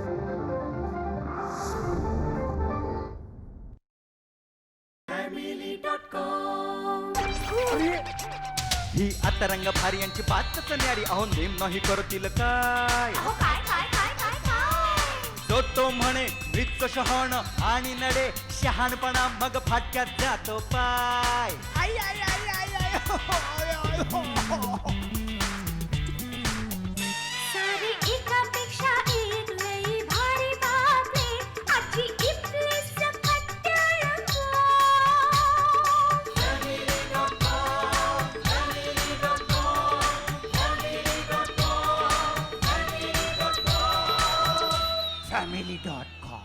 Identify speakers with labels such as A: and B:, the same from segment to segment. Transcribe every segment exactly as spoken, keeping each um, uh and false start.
A: ही आता रंग भारी यांची बातच न्यारी. अहो नेम नाही करतील काय. जो तो म्हणे मृत्यू शहाण आणि नडे शहाणपणा मग फाटक्यात जातो पाय. आई आई आई आई आई हो, हो, आय, आय, हो, हो.
B: सारी एकापेक्षा एक लई भारी बातमी आजची इथलीच खट्याळ.
A: Family dot com.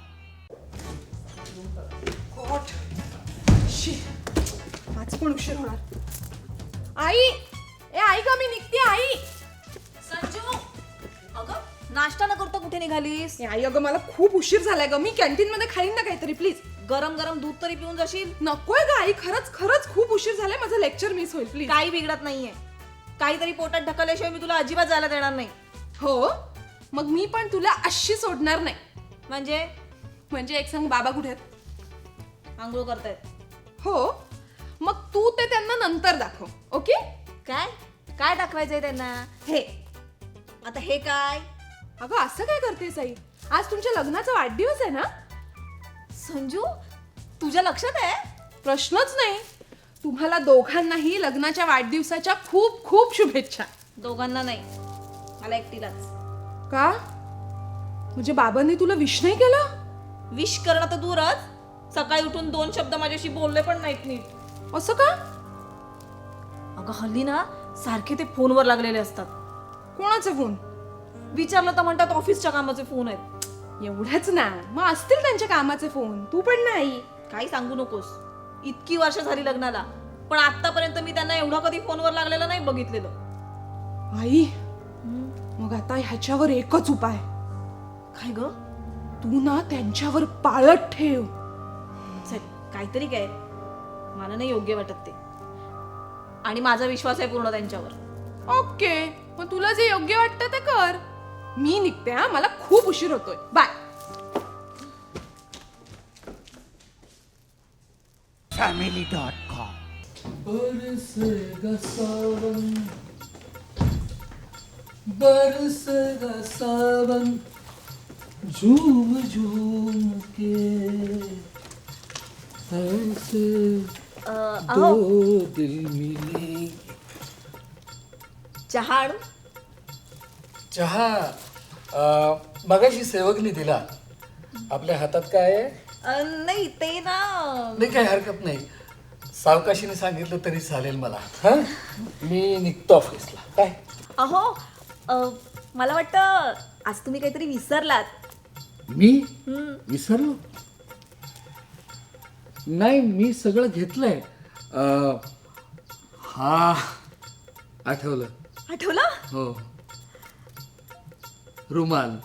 C: आज पण उशीर होणार. आई, ए आई ग, मी निघते आई.
D: संजू, अगं नाश्ता न करता कुठे निघालीस?
C: ए आई, अगं मला खूप उशीर झालाय ग. मी कॅन्टीन मध्ये खाईन ना काहीतरी, प्लीज.
D: गरम गरम दूध तरी पिऊन जाशील.
C: नकोय ग आई, खरंच खरंच खूप उशीर झालाय. माझं लेक्चर मिस होईल, प्लीज.
D: काही बिघडत नाहीये. काहीतरी पोटात ढकलल्याशिवाय मी तुला अजिबात जायला देणार नाही.
C: हो, मग मी पण तुला अशी सोडणार नाही.
D: म्हणजे
C: म्हणजे एक सांग, बाबा कुठे आहेत?
D: आंघोळ करतायत.
C: हो, मग तू ते त्यांना नंतर दाखव, ओके?
D: काय काय दाखवायचंय त्यांना?
C: हे.
D: आता हे काय?
C: अगं असं काय करतेस आई? आज तुमच्या लग्नाचा वाढदिवस आहे ना?
D: संजू, तुझ्या लक्षात आहे?
C: प्रश्नच नाही. तुम्हाला दोघांनाही लग्नाच्या वाढदिवसाच्या खूप खूप शुभेच्छा.
D: दोघांना नाही, मला एकटीलाच.
C: का? म्हणजे बाबांनी तुला विश नाही केलं?
D: विश करणं तर दूरच, सकाळी उठून दोन शब्द माझ्याशी बोलले पण नाहीत नीट.
C: असं का?
D: अगं हल्ली ना सारखे ते फोनवर लागलेले असतात.
C: कोणाचे फोन?
D: विचारलं तर म्हणतात ऑफिसच्या कामाचे फोन आहेत.
C: एवढंच ना, मग असतील त्यांच्या कामाचे फोन. तू पण नाही.
D: काही सांगू नकोस. इतकी वर्ष झाली लग्नाला, पण आतापर्यंत मी त्यांना एवढा कधी फोनवर लागलेलं नाही बघितलेलं.
C: आई, मग आता ह्याच्यावर एकच उपाय.
D: काय ग?
C: तू ना त्यांच्यावर पाळत ठेव.
D: चल, काहीतरी काय, मला नाही योग्य वाटत ते. आणि माझा विश्वास आहे पूर्ण त्यांच्यावर.
C: ओके, मग तुला जे योग्य वाटतं ते कर. मी निघते हा, मला खूप उशीर होतोय. बाय.
A: Family dot com.
E: बरसेगा सावन बरसेगा सावन झूम झूम के ऐसे दो दिल मिले.
D: चहा आणू?
E: चहा अं, मगाशी सेवकनी दिला. आपल्या हातात काय आहे?
D: अ, नाही ते ना.
E: नाही, काही हरकत नाही. सावकाशीने सांगितलं तरी चालेल मला. हा, मी निघतो ऑफिसला. काय?
D: अहो, अ, मला वाटतं आज तुम्ही काहीतरी विसरलात.
E: मी विसरलो? नाही, मी सगळं घेतलंय. अं, हा, आठवलं.
D: आठवलं?
E: हो, रुमाल.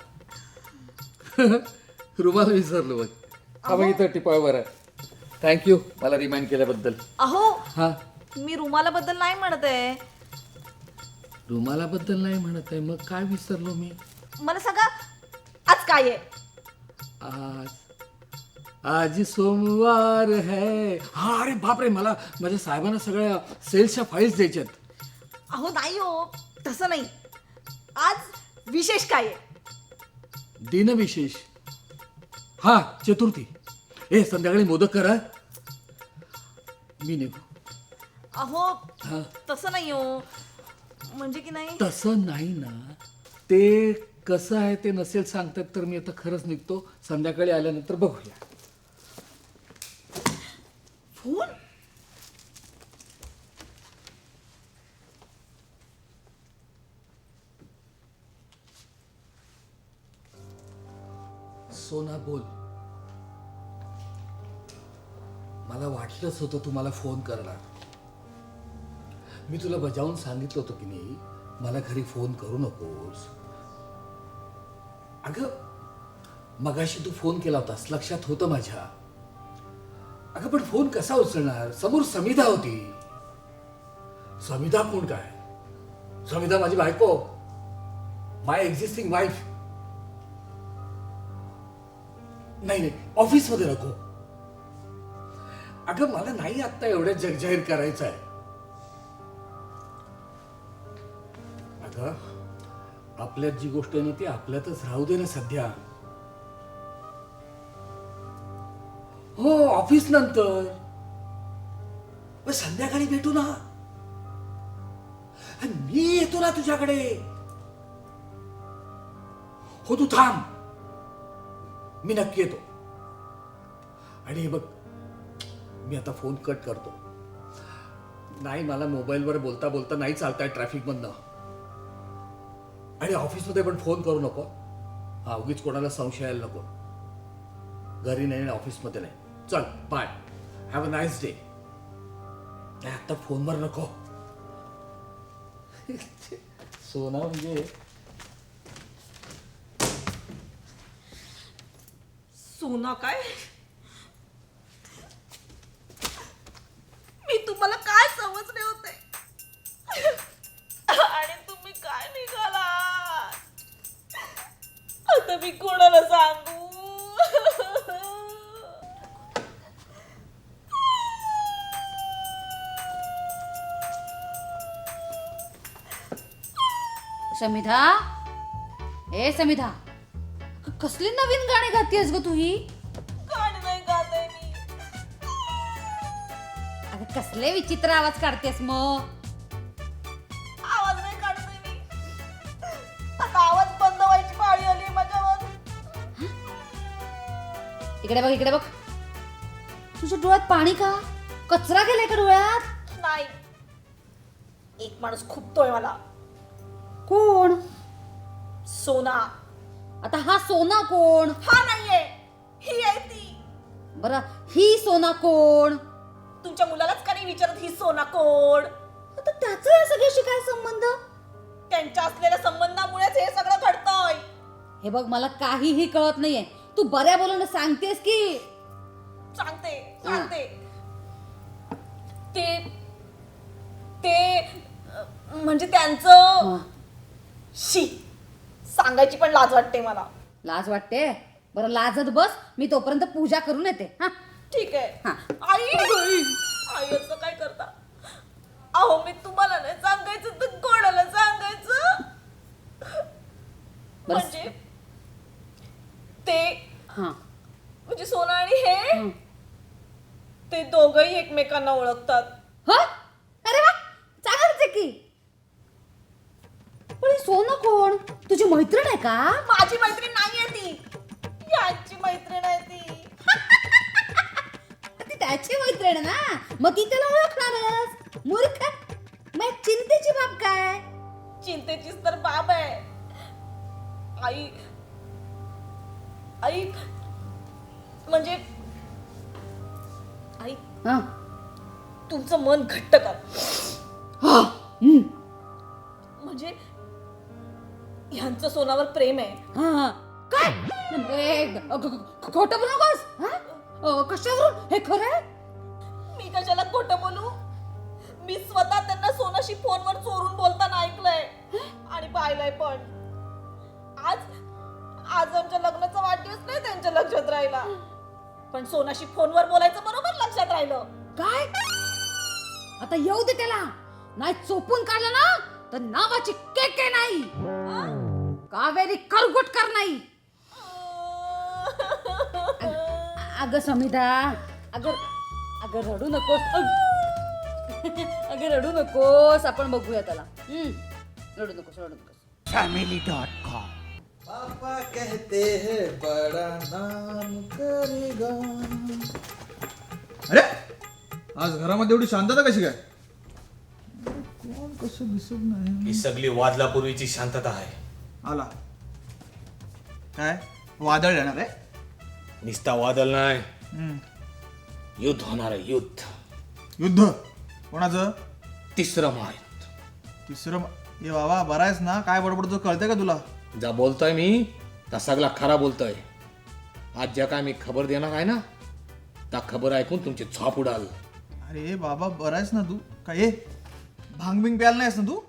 E: रुमाल विसरलो बघ. हा बघ, इथं टिपावर आहे. थँक्यू मला रिमाइंड केल्याबद्दल.
D: अहो,
E: हा,
D: मी रुमालाबद्दल नाही म्हणत आहे.
E: रुमालाबद्दल नाही म्हणत आहे, मग काय विसरलो मी?
D: मला सांगा, आज काय आहे?
E: आज आज सोमवार है. हा, अरे बापरे, मला माझ्या साहेबांना सगळ्या सेल्सच्या फाईल्स द्यायच्यात.
D: अहो नाही हो, तसं नाही. आज विशेष काय आहे?
E: दिनविशेष. हा, चतुर्थी. ए, संध्याकाळी मोदक करा. मी निघू.
D: अहो,
E: हा,
D: तसं नाही हो. म्हणजे की नाही.
E: तसं नाही ना. ते कसं आहे ते नसेल सांगतात, तर मी आता खरंच निघतो. संध्याकाळी आल्यानंतर बघूया.
D: फोन?
E: सोना, बोल. मला वाटलंच होतं तुम्हाला फोन करणार. मी तुला बजावून सांगितलं होतं की नाही, मला घरी फोन करू नकोस. अगं, मगाशी तू फोन केला होतास, लक्षात होतं माझ्या. अगं, पण फोन कसा उचलणार? समोर समिधा होती. समिधा कोण काय? समिधा माझी बायको, माय एक्झिस्टिंग वाईफ. नाही नाही ऑफिसमध्ये नको. अगं मला नाही आत्ता एवढ्या जगजाहीर करायचं आहे. अगं आपल्यात जी गोष्ट आहे ना ती आपल्यातच राहू दे ना सध्या. हो ऑफिस नंतर मग संध्याकाळी भेटू ना. आणि मी येतो ना तुझ्याकडे. हो तू थांब, मी नक्की येतो. आणि हे बघ मी आता फोन कट करतो. नाही मला मोबाईलवर बोलता बोलता नाही चालताय ट्रॅफिक मधनं. आणि ऑफिसमध्ये पण फोन करू नको हा, उगीच कोणाला संशय यायला नको. घरी नाही आणि ऑफिसमध्ये नाही. चल bye, have a nice day. नाही आता फोनवर नको. सोना म्हणजे
D: सोना काय? मी तुम्हाला काय समजले होते आणि तुम्ही काय निघाला. आता मी कोणाला सांगू.
F: समिधा, ए समिधा, क- कसली नवीन गाणी गातेस ग तू ही?
D: गाणी नाही गात आहे मी.
F: अगं कसले विचित्र आवाज काढतेस मग?
D: आवाज नाही काढते मी. आता आवाज बंद व्हायची पाळी आली माझ्यावर.
F: इकडे बघ, इकडे बघ. तुझ्या डोळ्यात पाणी का? कचरा गेलाय का डोळ्यात?
D: नाही, एक माणूस खूपतोय मला.
F: कोण?
D: सोना.
F: आता हा सोना कोण?
D: हा नाहीये, ही आहे ती.
F: बरं ही सोना कोण?
D: तुमच्या मुलालाच का नाही विचारत ही सोना कोण?
F: आता त्याचा या सगळ्याशी काय संबंध?
D: त्यांच्या असलेल्या संबंधामुळेच हे सगळं घडतंय.
F: हे बघ मला काहीही कळत नाहीये. तू बऱ्या बोलून सांगतेस की?
D: सांगते सांगते. ते ते अं, म्हणजे त्यांचं
F: हं.
D: शी सांगायची पण लाज वाटते मला.
F: लाज वाटते? बरं लाजत बस, मी तोपर्यंत पूजा करून येते. हा
D: ठीक आहे.
F: हा.
D: आई आई असं काय करता? अहो मी तुम्हाला नाही सांगायचं तर कोणाला सांगायचं?
F: बरं.
D: म्हणजे ते
F: हा
D: म्हणजे सोना आणि हे
F: हं.
D: ते दोघही एकमेकांना ओळखतात.
F: हो? अरे वा, चांगलंच आहे की. पण ही सोना कोण? तुझी मैत्रीण आहे का?
D: माझी मैत्रीण नाहीये ती, यांची मैत्रीण आहे ती.
F: ती त्याची मैत्रीण आहे ना, मग ती त्याला ओळखणारच. मूर्ख, मग चिंतेची बाब काय?
D: चिंतेचीच तर बाब आहे. आई आई म्हणजे आई
F: हा.
D: तुमचं मन घट्ट कर.
F: हा. हम्म.
D: म्हणजे ह्यांचं सोनावर प्रेम आहे.
F: हा. काय? ए, ग- ग- ग- खोटं बोलू नकोस. हा? अ, कशावरून? हे खरं आहे?
D: मी कशाला खोटं बोलू? मी स्वतः त्यांना सोनाशी फोनवर चोरून बोलताना ऐकलंय आणि पाहिलंय पण. आज आज आमच्या लग्नाचा वाढदिवस नाही त्यांच्या लक्षात राहिला, पण सोनाशी फोनवर बोलायचं बरोबर लक्षात राहिलं.
F: काय? आता येऊ दे त्याला. नाही चोपून काढलं ना तर नावाची केके नाही, कावेरी करगुटकर नाही. अग- अगं समिधा, अगं अगं रडू नकोस. अग- अगं रडू नकोस. आपण बघूया त्याला. हम्म. रडू नकोस, रडू नकोस.
A: Family dot com.
G: पापा कहते हैं बड़ा नाम करेगा. अरे आज घरामध्ये एवढी शांतता कशी काय? कोण कसं दिसत नाही.
H: ही सगळी वादलापूर्वीची शांतता आहे.
G: आला काय वादळ येणार आहे?
H: निस्ता वादळ नाही,
G: हम्म.
H: युद्ध होणार आहे. युद्ध,
G: युद्ध कोणाचं?
H: तिसरं महायुद्ध.
G: तिसरं म- ए बाबा बरा आहेस ना? काय बडबडतो कळतंय का तुला?
H: जा बोलतोय मी त्या सगळा खरा बोलतोय. आज ज्या काय मी खबर देणार आहे ना त्या खबर ऐकून तुमची झोप उडाल.
G: अरे बाबा बरा आहेस ना तू? काय ए, भांग बिंग प्यायला नाहीस ना तू?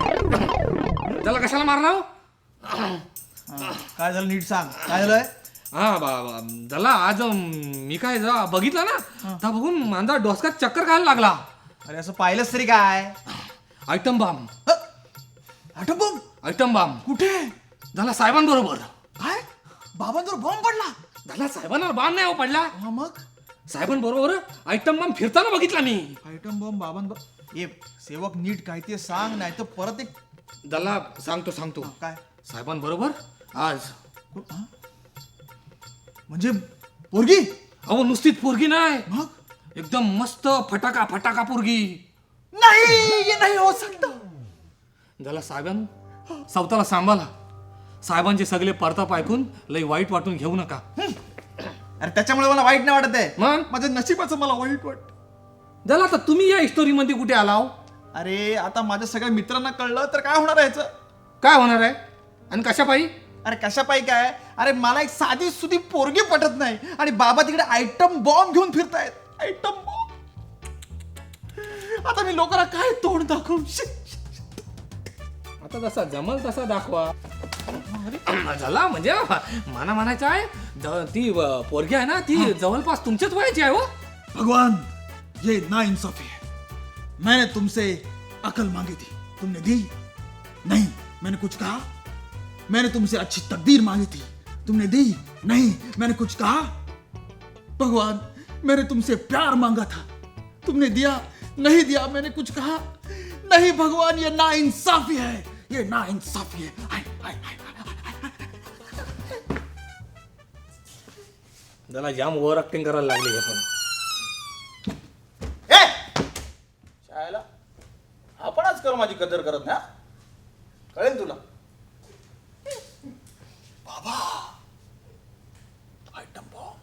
H: त्याला कशाला मारला?
G: हा, काय झालं नीट सांग. काय झालंय?
H: हा बा बा- झाला आज अं, मी काय जा बघितलं ना तर बघून माझा डोसक्यात चक्कर खायला लागला.
G: अरे असं पाहिलंच तरी काय?
H: आयटम बाम
G: आठव बॉम्ब
H: आयटम बाम
G: कुठे?
H: झाला साहेबांबरोबर.
G: काय बाबांवर बॉम्ब पडला?
H: झाला साहेबांवर बाण नाही हो पडला.
G: हा मग
H: साहेबांबरोबर आयटम बाम फिरताना बघितला मी.
G: Item bomb बाबांवर. ए सेवक नीट काय ते सांग, नाही तर परत एक
H: झाला सांगतो सांगतो
G: काय
H: साहेबांबरोबर आज
G: हा? म्हणजे पोरगी?
H: अहो नुसतीच पोरगी नाही,
G: मग
H: एकदम मस्त फटाका फटाका पोरगी.
G: नाही हे नाही हो सकता.
H: झाला साहेबां सावताला सांभाळा. साहेबांचे सगळे परताप ऐकून लई वाईट वाटून घेऊ नका.
G: अरे त्याच्यामुळे मला वाईट नाही वाटत आहे,
H: मग
G: माझ्या नशिबाचं मला वाईट वाटत.
H: झाला आता तुम्ही या स्टोरीमध्ये कुठे आलाव?
G: अरे आता माझ्या सगळ्या मित्रांना कळलं तर काय होणार आहे याचं?
H: काय होणार आहे आणि कशा पायी?
G: अरे कशापाई काय? अरे मला एक साधी सुधी पोरगी पटत नाही आणि बाबा तिकडे आयटम बॉम्ब घेऊन फिरतायत. Item bomb. आता मी लोकांना काय तोंड दाखवू? शी.
H: आता जसा जमल तसा दाखवा. झाला म्हणजे मला म्हणायचं आहे ज- ती अ, पोरगी आहे ना ती जवळपास तुमच्याच वयाची आहे हो.
G: भगवान ये नाइंसाफी है. मैंने तुमसे अकल मांगी थी, तुमने दी नहीं. मैंने कुछ कहा? मैंने तुमसे अच्छी तकदीर मांगी थी, तुमने दी नहीं. मैंने कुछ कहा? भगवान मैंने तुमसे प्यार मांगा था, तुमने दिया नहीं. दिया मैंने कुछ कहा? नहीं. भगवान ये नाइंसाफी है, ये नाइंसाफी है. आय, आय, आय, आय.
H: त्याला जाम ओव्हर ऍक्टिंग करायला लागली हे पण.
I: शाळेला आपणच कर, माझी कदर करत ना, कळेल तुला.
G: Item bomb.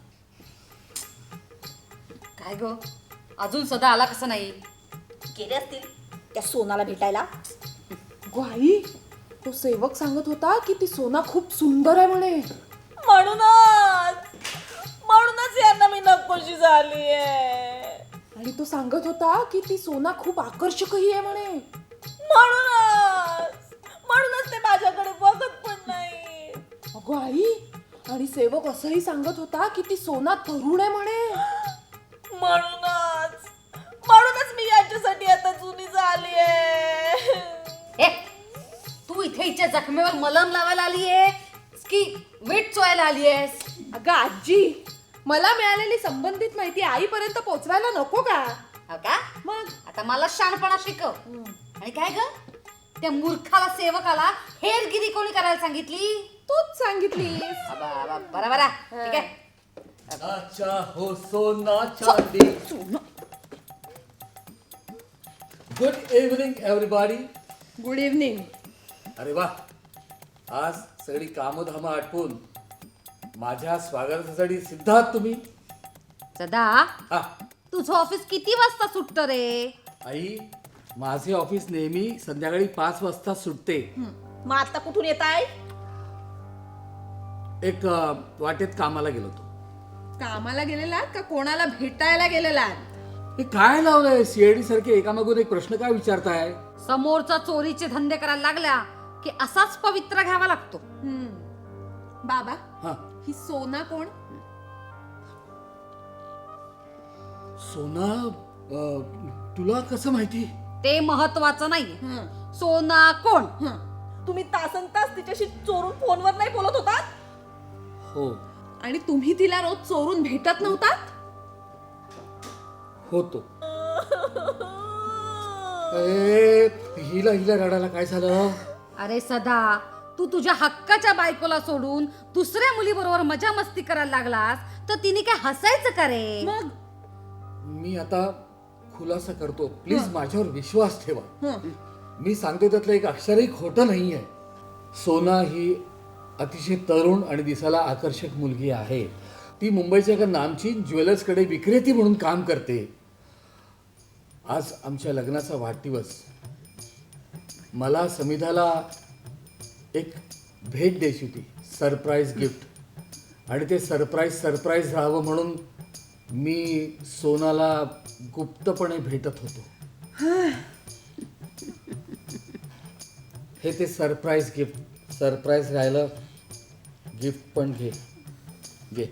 F: काय ग अजून सदा आला कसं नाही?
D: गेले असतील त्या सोनाला भेटायला.
C: गो आई, तो सेवक सांगत होता की ती सोना खूप सुंदर आहे म्हणे.
D: म्हणूनच म्हणूनच यांना मी नकोशी झाली आहे.
C: आणि तो सांगत होता की ती सोना खूप आकर्षकही आहे म्हणे.
D: म्हणूनच म्हणूनच ते माझ्याकडे बघत पण नाही.
C: अगो आई, आणि सेवक असंही सांगत होता की ती सोना तरुण आहे म्हणे.
D: म्हणूनच म्हणूनच मी यांच्यासाठी आता जुनी झाली आहे.
F: ए तू इथे हिच्या जखमेवर मलम लावायला आलीयेस की मीठ चोयला आलीयेस?
C: अगं आजी, मला मिळालेली संबंधित माहिती आईपर्यंत पोहोचवायला नको का?
F: हो का?
C: मग
F: आता मला शहाणपणा शिकव. आणि काय ग त्या मूर्खाला सेवकाला हेरगिरी कोणी करायला सांगितली?
C: तूच सांगितली.
F: बरं बरं ठीक आहे.
E: नाचा हो सोना चांदी. Good evening everybody.
C: Good evening.
E: अरे वा, आज सगळी कामधाम आटपून माझ्या स्वागतासाठी सिद्ध आहात तुम्ही.
F: सदा
E: हा
F: तुझं ऑफिस किती वाजता सुटतं रे?
E: आई, माझे ऑफिस नेहमी संध्याकाळी पाच वाजता सुटते.
D: मग आता कुठून येत आहे?
E: एक अ, वाटेत कामाला गेलो होतो.
C: कामाला गेलेलात का कोणाला भेटायला गेलेलात?
E: हे काय लावलंय सीआयडी सारखे एकामागून एक प्रश्न काय विचारताय?
F: समोरचा चोरीचे धंदे करायला लागल्या की असाच पवित्र घ्यावा लागतो.
C: हम्म. बाबा,
E: हा,
C: ही सोना कोण?
E: सोना अ, तुला कसं माहिती?
F: ते महत्वाचं नाहीये.
C: हं.
F: सोना कोण?
C: हं.
D: तुम्ही तासन तास तिच्याशी चोरून फोनवर नाही बोलत होतात?
E: हो
C: आणि तुम्ही तिला रोज चोरून भेटत नव्हतात?
E: होतो. ए, हिला हिला रडायला काय झालं?
F: अरे सदा, तू तुझ्या हक्काच्या बायकोला सोडून दुसऱ्या मुलीबरोबर मजा मस्ती करायला लागलास तर तिने काय हसायचं का रे?
C: मग
E: मी आता खुलासा करतो, प्लीज माझ्यावर विश्वास ठेवा.
C: हं.
E: मी सांगतो त्यातलं एक अक्षरही खोटं नाही आहे. सोना ही अतिशय तरुण आणि दिसायला आकर्षक मुलगी आहे. ती मुंबईच्या एका नामचीन ज्वेलर्सकडे विक्रेती म्हणून काम करते. आज आमच्या लग्नाचा वाढदिवस. मला समिधाला एक भेट द्यायची होती, सरप्राईज गिफ्ट. आणि ते सरप्राईज सरप्राईज राहावं म्हणून मी सोनाला गुप्तपणे भेटत होतो. हे ते सरप्राईज गिफ्ट. सरप्राईज राहिलं, गिफ्ट पण घे.
H: घे.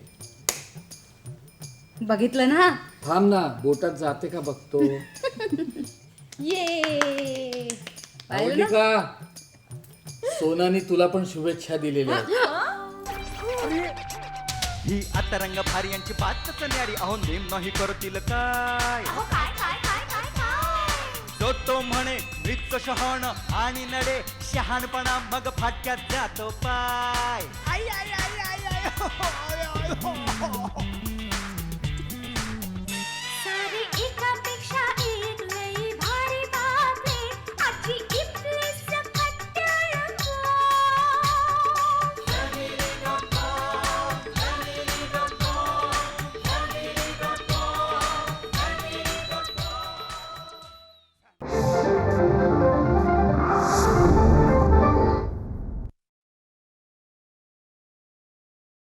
F: बघितलं ना.
H: थांब ना, बोटात जाते का बघतो.
F: ये
H: आवडली का? सोनानी तुला पण शुभेच्छा दिलेल्या आहेत.
A: ही आता रंग भारी यांची बातच न्यारी अहो नेम नाही करतील काय जो तो म्हणे मृत्यू शहाण आणि नडे शहाणपणा मग फाटक्यात जातो पाय